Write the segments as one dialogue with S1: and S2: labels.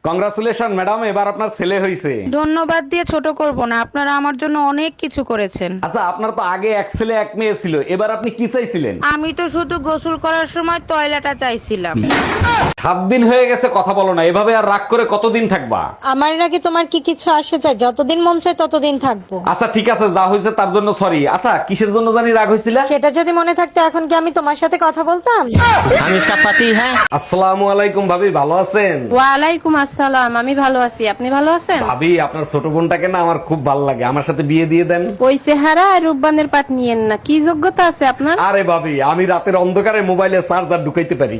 S1: Congratulation madam, এবার আপনার ছেলে হয়েছে।
S2: ধন্যবাদ দিয়ে ছোট করব না, আপনারা আমার জন্য অনেক কিছু করেছেন।
S1: আচ্ছা, আপনার তো আগে এক ছেলে এক মেয়ে ছিল, এবার আপনি কি চাইছিলেন?
S2: আমি তো শুধু গোসল করার সময় টয়লেটটা চাইছিলাম।
S1: 7 দিন হয়ে গেছে কথা বলো না, এভাবে আর রাগ করে কতদিন থাকবা?
S3: আমার নাকি তোমার কি কিছু আসে যায়? যতদিন মন চায় ততদিন থাকবো।
S1: আচ্ছা ঠিক আছে, যা হয়েছে তার জন্য সরি। আচ্ছা, কিসের জন্য জানি রাগ হয়েছিল?
S3: সেটা যদি মনে থাকতো এখন কি আমি তোমার সাথে কথা বলতাম?
S4: हम इसका पति है।
S1: আসসালামু আলাইকুম ভাবি, ভালো আছেন?
S2: ওয়ালাইকুম আসসালাম, আমি ভালো আছি, আপনি ভালো আছেন?
S1: ভাবি, আপনার ছোট বোনটাকে না আমার খুব ভালো লাগে, আমার সাথে বিয়ে দিয়ে দেন।
S2: ওই চেহারা আর রূপবানের পাট নিয়েন না, কি যোগ্যতা আছে আপনার?
S1: আরে ভাবি, আমি রাতের অন্ধকারে মোবাইলে চার্জার ঢুকাইতে পারি।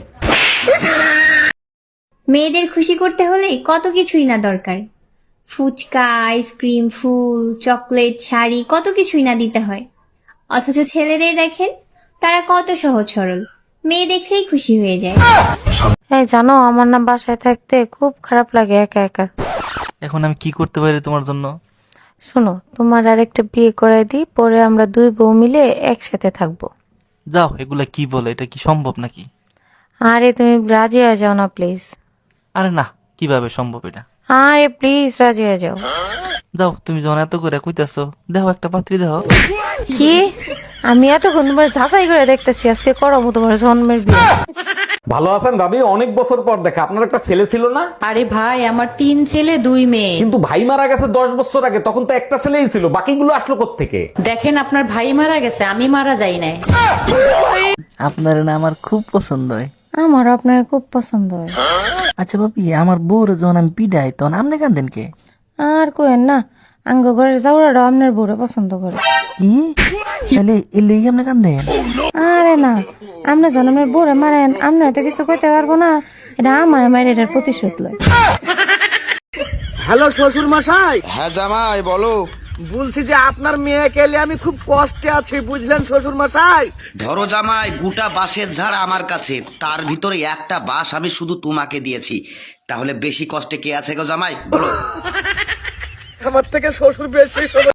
S5: মেয়েদের খুশি করতে হলে কত কিছুই না দরকার। ফুচকা, আইসক্রিম, ফুল, চকলেট, শাড়ি, কত কিছুই না দিতে হয়। অথচ ছেলেদের দেখেন, তারা কত সহজ সরল, মেয়ে দেখলেই খুশি হয়ে যায়।
S6: এই জানো, আমার না বাসায় থাকতে খুব খারাপ লাগে একা একা।
S4: এখন আমি কি করতে পারি তোমার জন্য?
S6: শোনো, তোমার আরেকটা বিয়ে করাই দিই, পরে আমরা দুই বউ মিলে একসাথে থাকবো।
S4: যাও, এগুলা কি বলে? এটা কি সম্ভব নাকি?
S6: আরে তুমি রাজি হয়ে যাও না প্লিজ।
S4: আরে না, কিভাবে সম্ভব এটা?
S6: আরে প্লিজ রাজি হয়ে যাও।
S4: যাও, তুমি যখন এত করে কইতাছো, দেখো একটা পাত্রী দেখো।
S6: কি? আমি এতক্ষণ তোমার যাচাই করে দেখতেছি, আজকে করবো তোমার জন্মের বিয়ে।
S1: ভালো আছেন ভাবি? অনেক বছর পর দেখা। আপনার একটা ছেলে ছিল না?
S2: আরে ভাই, আমার 3 ছেলে 2 মেয়ে।
S1: কিন্তু ভাই মারা গেছে 10 বছর আগে, তখন তো একটা ছেলেই ছিল, বাকিগুলো আসলো কোত্থেকে?
S2: দেখেন, আপনার ভাই মারা গেছে, আমি মারা যাই নাই।
S7: আপনার না আমার খুব পছন্দ হয়।
S6: আমারও আপনার খুব পছন্দ হয়।
S7: আচ্ছা ভাবি, আমার বউর যখন আমি পিডাই তখন আপনি কান্দেন কে?
S6: আর কোয়েন না, আঙ্গ ঘরের জাউরাটা আপনার বউরে পছন্দ করে।
S7: কি তাহলে এর লেগে আপনি কান্দেন?
S6: আরে না, আপনি জন্মের বউরে মারেন, আপনি হয়তো কিছু কইতে পারবো না, এটা আমার মায়ের এটার প্রতিশোধ লয়।
S8: হ্যালো শ্বশুর মশাই,
S9: হ্যাঁ জামাই বলো।
S8: বলছি যে আপনার মেয়েকে এলে আমি খুব কষ্টে আছি, বুঝলেন শ্বশুর মশাই?
S9: ধরো জামাই, গোটা বাঁশের ঝাড় আমার কাছে, তার ভিতরে একটা বাঁশ আমি শুধু তোমাকে দিয়েছি, তাহলে বেশি কষ্টে কে আছে গো জামাই বলো?
S8: আমার থেকে শ্বশুর বেশি